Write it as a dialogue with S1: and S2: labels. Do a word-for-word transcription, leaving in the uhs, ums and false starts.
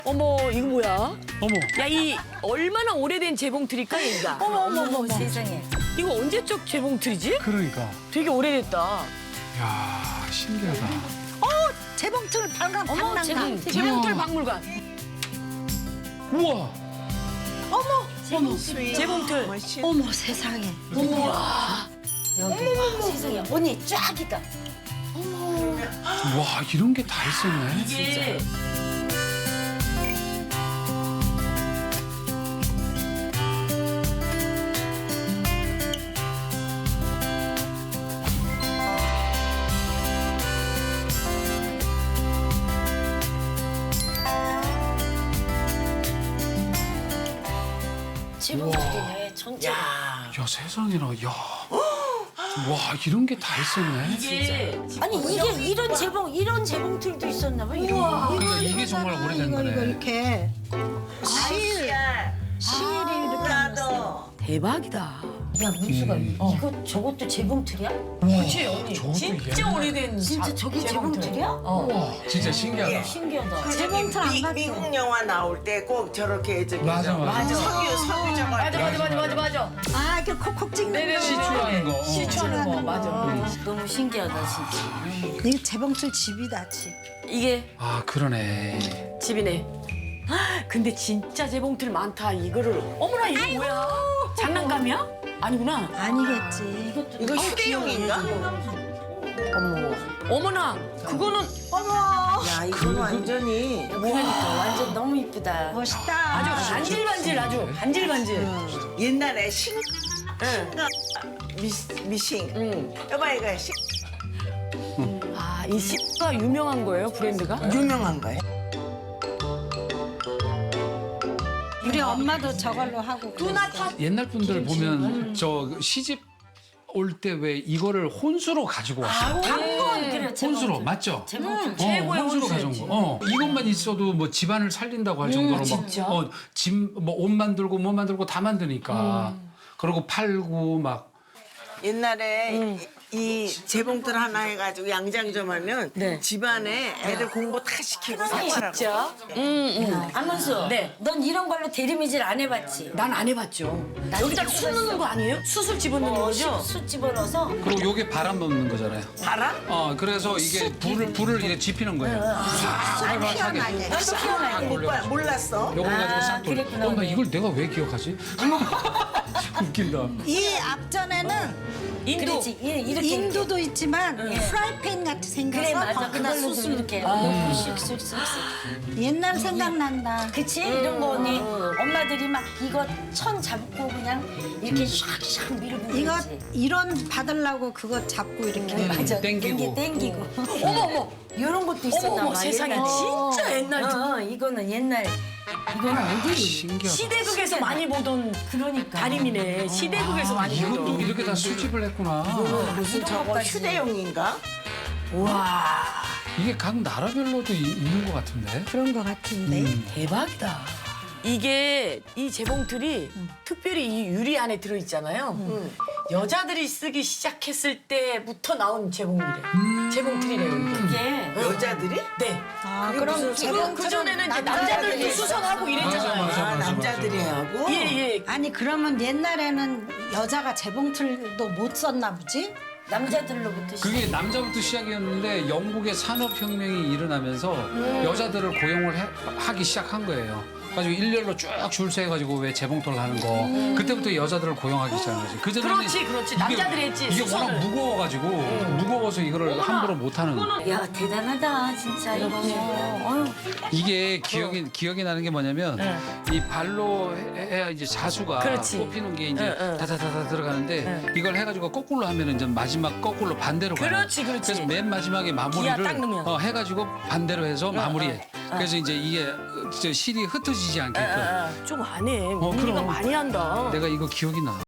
S1: 어머, 이거 뭐야?
S2: 어머.
S1: 야, 이 얼마나 오래된 재봉틀일까, 얘가?
S3: 어머 어머 어머 세상에.
S1: 이거 언제적 재봉틀이지?
S2: 그러니까.
S1: 되게 오래됐다.
S2: 야 신기하다.
S3: 재봉틀 발광 박람관.
S1: 재봉, 재봉틀 박물관.
S2: 우와.
S1: 재봉틀.
S3: 어머 세상에.
S1: 우와.
S3: 여기 세상에. 언니 쫙이다.
S2: 와 이런 게 다 있었네.
S1: 이게
S3: 재봉틀이네 전체.
S1: 야,
S2: 야 세상에나 야. 와 이런 게 다 있었네.
S1: 이게
S3: 아니 이게 이런 재봉 이런 재봉틀도 있었나 봐. 이런.
S2: 그러니까 이게 정말 오래된
S4: 이거 이거
S2: 거네.
S4: 이렇게 실 실이 이렇게
S5: 나도
S1: 대박이다.
S3: 야 문수가 이거 저것도 재봉틀이야?
S1: 그치, 언니.
S2: 저것도
S1: 진짜
S2: 옛날-
S1: 오래된
S3: 진짜
S1: 자-
S3: 저게
S1: 재봉틀.
S3: 재봉틀이야?
S2: 와 진짜 신기하다.
S3: 신기하다.
S5: 그
S4: 재봉틀 안
S5: 미,
S4: 봤어.
S5: 미국 영화 나올 때 꼭 저렇게 저기
S2: 맞아, 맞아.
S5: 석유 석유 저거
S1: 맞아, 맞아, 맞아, 맞아, 맞아.
S4: 아 이렇게 콕콕 찍는
S1: 네네네.
S4: 거.
S2: 시추하는 거. 어.
S1: 시추하는 거, 맞아.
S3: 너무 신기하다 진짜.
S4: 이게 재봉틀 집이다 집.
S1: 이게
S2: 아 그러네.
S1: 집이네. 헉, 근데 진짜 재봉틀 많다. 이거를 어머나 이거 뭐야? 장난감이야? 아니구나.
S4: 아니겠지.
S3: 이것도
S5: 이거 휴대용인가?
S1: 어머. 어머나 그거는
S5: 야 이건 완전히
S3: 그러니까 완전 너무 이쁘다.
S4: 멋있다.
S1: 아주 반질반질 아주 반질반질.
S5: 옛날에 신
S1: 응.
S5: 미, 미싱
S1: 응.
S5: 여봐 이거 신
S1: 아, 이 시가 유명한 거예요, 브랜드가?
S5: 유명한 거예요.
S4: 우리 엄마도 저걸로 하고.
S1: 누나 다
S2: 옛날 분들 보면 저 시집 올 때 왜 이거를 혼수로 가지고 왔어.
S3: 당근 그래
S2: 혼수로
S3: 재봉틀.
S2: 맞죠?
S3: 재봉틀.
S2: 어,
S1: 최고의
S2: 혼수로 가져온
S1: 혼수였지.
S2: 거. 어, 이것만 있어도 뭐 집안을 살린다고 할 정도로
S1: 진짜?
S2: 막, 어, 집뭐옷 만들고 뭐 만들고 다 만드니까. 그리고 팔고 막.
S5: 옛날에 이, 이 재봉틀 하나 해가지고 양장점 하면
S1: 네.
S5: 집안에 애들 공부 다 시키고 생활하고.
S1: 진짜? 응, 응.
S3: 안문수.
S1: 네.
S3: 넌 이런 걸로 대리미질 안 해봤지?
S1: 난 안 해봤죠. 여기다 수 넣는 거 아니에요? 수술 집어넣는 거죠?
S3: 숯 집어넣어서
S2: 그리고 요게 바람 넣는 거잖아요.
S5: 바람?
S2: 어, 그래서 이게 불을, 불을 이렇게 지피는 거예요. 싹 하게.
S5: 나도
S3: 피어나게.
S5: 오빠 몰랐어.
S2: 요걸 가지고
S3: 아,
S2: 싹 돌려.
S3: 그랬구나.
S2: 어, 나 이걸 내가 왜 기억하지? 웃긴다.
S4: 이 앞전에는
S1: 인도.
S3: 그렇지 이- 이렇게
S4: 인도도 있지만 프라이팬 같이 생겨서
S3: 그래 맞아 그날
S4: 그걸로
S3: 숯을
S4: 좀-
S3: 이렇게
S1: 아.
S3: 넣고 쓱쓱쓱쓱
S4: 옛날 생각난다.
S3: 그치 이런 거 언니 엄마들이 막 이거 천 잡고 그냥 이렇게 샥샥 밀고
S4: 이거
S3: 그러지.
S4: 이런 받으려고 그거 잡고 이렇게.
S3: 맞아
S2: 땡기고.
S3: 땡기고
S1: 어머, 어머.
S3: 이런 것도 있었나
S1: 어머, 어머,
S3: 봐
S1: 세상에.
S3: 옛날에.
S1: 진짜 옛날
S3: 어, 어, 이거는 옛날 이거는 어디
S2: 신기하다.
S1: 시대극에서 많이 보던
S3: 그러니까
S1: 다림이네. 시대극에서 많이
S2: 이것도
S1: 보던.
S2: 이렇게 다 수집을 했구나.
S5: 무슨 저거
S3: 것까지.
S5: 휴대용인가?
S1: 와,
S2: 이게 각 나라별로도 이- 있는 것 같은데.
S4: 그런 거 같은데.
S1: 대박이다. 이게 이 재봉틀이 특별히 이 유리 안에 들어있잖아요. 여자들이 쓰기 시작했을 때부터 나온 재봉이래. 재봉틀이래요, 이게.
S3: 이게
S5: 여자들이?
S1: 네.
S4: 아,
S5: 그게
S4: 그럼
S5: 무슨
S1: 그,
S4: 재봉틀은
S1: 그 전에는 이제
S4: 남자들이
S1: 남자들이
S4: 했어.
S1: 수선하고 이랬잖아요.
S2: 맞아,
S5: 아,
S2: 맞아,
S5: 남자들이 하고?
S1: 예, 예.
S4: 아니 그러면 옛날에는 여자가 재봉틀도 못 썼나 보지?
S3: 남자들로부터 시작.
S2: 그게 남자부터 시작이었는데 영국의 산업혁명이 일어나면서 여자들을 고용을 해- 하기 시작한 거예요. 가지고 일렬로 쭉 줄 서해가지고 왜 재봉틀 하는 거 그때부터 여자들을 고용하기 시작한 거지. 그전에는
S1: 그렇지, 그렇지. 남자들이 했지,
S2: 이게 워낙
S1: 수선을.
S2: 무거워가지고 무거워서 이거를 함부로 못 하는.
S3: 야 대단하다 진짜 이거 어휴.
S2: 이게 기억이 기억이 나는 게 뭐냐면 이 발로 해- 해야 이제 자수가
S1: 그렇지.
S2: 뽑히는 게 이제
S1: 응, 응.
S2: 다다다다 들어가는데 이걸 해가지고 거꾸로 하면은 이제 마지막 거꾸로 반대로 가요.
S1: 그렇지, 그렇지.
S2: 그래서 맨 마지막에 마무리를
S1: 기아 딱 넣으면.
S2: 어, 해가지고 반대로 해서 마무리해. 그래서 이제 이게 저 실이 흩어지지 않게끔.
S1: 좀 안 해.
S2: 어,
S1: 언니가
S2: 그럼.
S1: 많이 한다.
S2: 내가 이거 기억이 나.